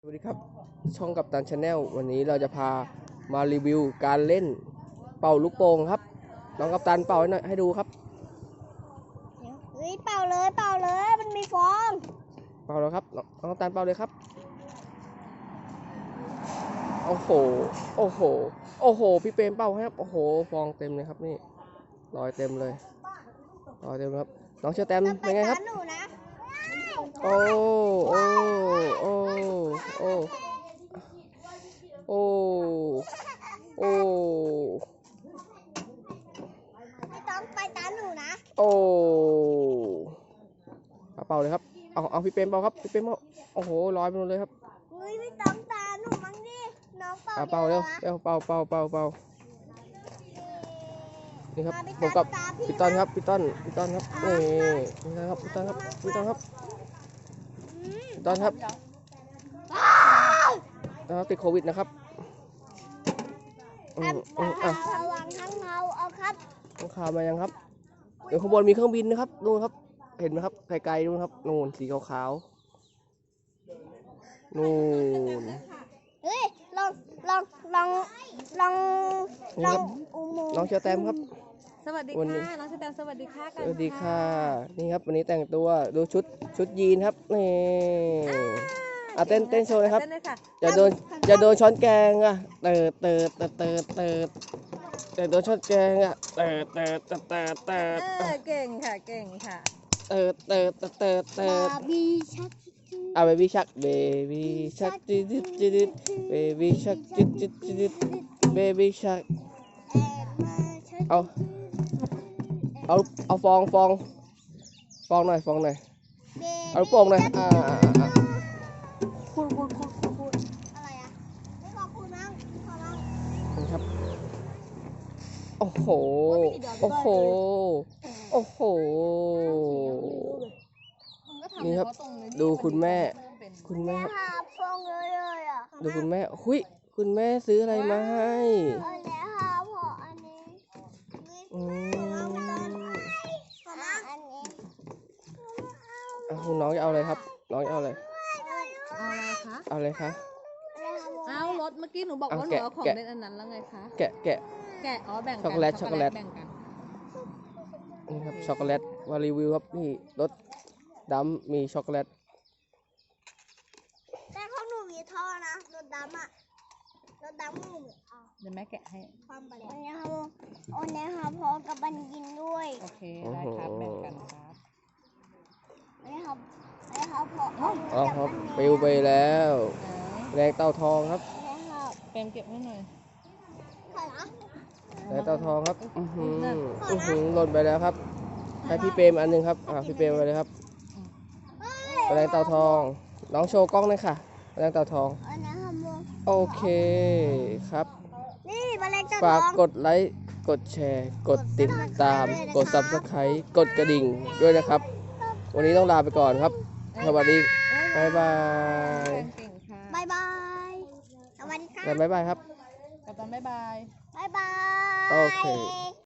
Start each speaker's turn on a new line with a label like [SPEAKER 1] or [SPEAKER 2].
[SPEAKER 1] สวัสดีครับช่องกัปตันชาแนลวันนี้เราจะพามารีวิวการเล่นเป่าลูกโป่งครับน้องกัปตันเป่าให้หน่อยให้ดูครับ
[SPEAKER 2] เฮ้ยเป่าเลยมันมีฟอง
[SPEAKER 1] เป่าแล้วครับน้องกัปตันเป่าเลยครับโอ้โหโอ้โหโอ้โหพี่เปรมเป่าให้ครับโอ้โหฟองเต็มเลยครับนี่รอยเต็มเลยรอยเต็มครับน้องเชอแตมเป็นไงครับโอ้โอ้โอ้โอ้โอ้โอ้
[SPEAKER 2] ไม่ต้องไปตามหนูนะ
[SPEAKER 1] โอ้เป่าเลยครับเอาพี่เปรมเป่าครับพี่เปรมเป่าโอ้โหลอยไปหมดเลยครับ
[SPEAKER 2] เฮ้ยไม่ต้องตามหนูมั้งดิน้องเป่า
[SPEAKER 1] เป่าเร็วเป่านี่ครับผมกับพี่ต้นครับพี่ต้นครับนี่นะครับพี่ต้นครับพี่ต้นครับติดโควิดนะครับ
[SPEAKER 2] ระวังทั้งเงาเอาครับ
[SPEAKER 1] ต้องข่าวมายังครับเดี๋ยวข้างบนมีเครื่องบินนะครับนู่นครับเห็นไหมครับไกลๆนู่นครับนู่นสีขาวๆนู่น
[SPEAKER 2] เฮ้ยลองอุโมงค์
[SPEAKER 1] น้องเชอแตมครับ
[SPEAKER 3] สวัสดีค่ะน้องเชอแตมสวัสดีค่ะ
[SPEAKER 1] สวัสดีค่ะนี่ครับวันนี้แต่งตัวดูชุดยีนครับนี่เต้นโชว์เลยครับอย่าโดนช้อนแกงอ่ะอย่าโดนช้อนแกงอ่ะ
[SPEAKER 3] เก่งค่ะ
[SPEAKER 2] บาร์บี้ชัก
[SPEAKER 1] เบบี้ชักจิดเบบี้ชักจิดเบบี้ชักเอาฟองหน่อยเอาลูกโป่งหน่อย
[SPEAKER 2] คุณอะไรอ่ะไม่ขอบคุณมั้งขอมั้ง
[SPEAKER 1] ครับโอ้โหนี่ครับดูคุณแม่
[SPEAKER 2] หาฟองเลยอ่ะ
[SPEAKER 1] ดูคุณแม่หุยคุณแม่ซื้ออะไรมาให้
[SPEAKER 2] แล้วหาพออันนี้
[SPEAKER 1] คุณน้องจะเอาอะไรครับน้องจะเอาอะไร
[SPEAKER 3] เอาอะไรคะ
[SPEAKER 1] เอาอะไรคะ
[SPEAKER 3] เอารถเมื่อกี้หนูบอกว่าหนูเอาของเล่นอันนั้นแล้วไงคะ
[SPEAKER 1] แกะ
[SPEAKER 3] อ๋อแบ่งกัน
[SPEAKER 1] ช็อกโกแลต
[SPEAKER 3] แบ่งกัน
[SPEAKER 1] นี่ครับช็อกโกแลตมารีวิวครับนี่รสดำมีช็อกโกแลต
[SPEAKER 2] แต่ของหนูมีท่อนะรถดำอ่ะรถดำหนู
[SPEAKER 3] เดี๋ยวแม่แกะให้
[SPEAKER 2] ความไปแล้วเนี่ยค่ะพอกับบันยินด้วย
[SPEAKER 3] โอเคได้ครับแบ่งกันครับ
[SPEAKER 2] นี่ครับพอ
[SPEAKER 1] ครับปิวไปแล้วแรงเต่าทองครับ
[SPEAKER 3] เป็นเก็บให้หน่อย
[SPEAKER 1] แรงเต่าทองครับหล่นไปแล้วครับให้พี่เปรมอันนึงครับพี่เปรมไปเลยครับแรงเต่าทองน้องโชว์กล้องเลยค่ะแรงเต่าทองโอเคครับฝากกดไลค์กดแชร์กดติดตามกด Subscribe กดกระดิ่งด้วยนะครับวันนี้ต้องลาไปก่อนครับสวัสดีบ๊ายบาย
[SPEAKER 2] สวัสดีค่ะ
[SPEAKER 1] บ๊ายบายครับ
[SPEAKER 3] กับตอนบ๊ายบาย
[SPEAKER 2] บ๊ายบาย
[SPEAKER 1] โอเค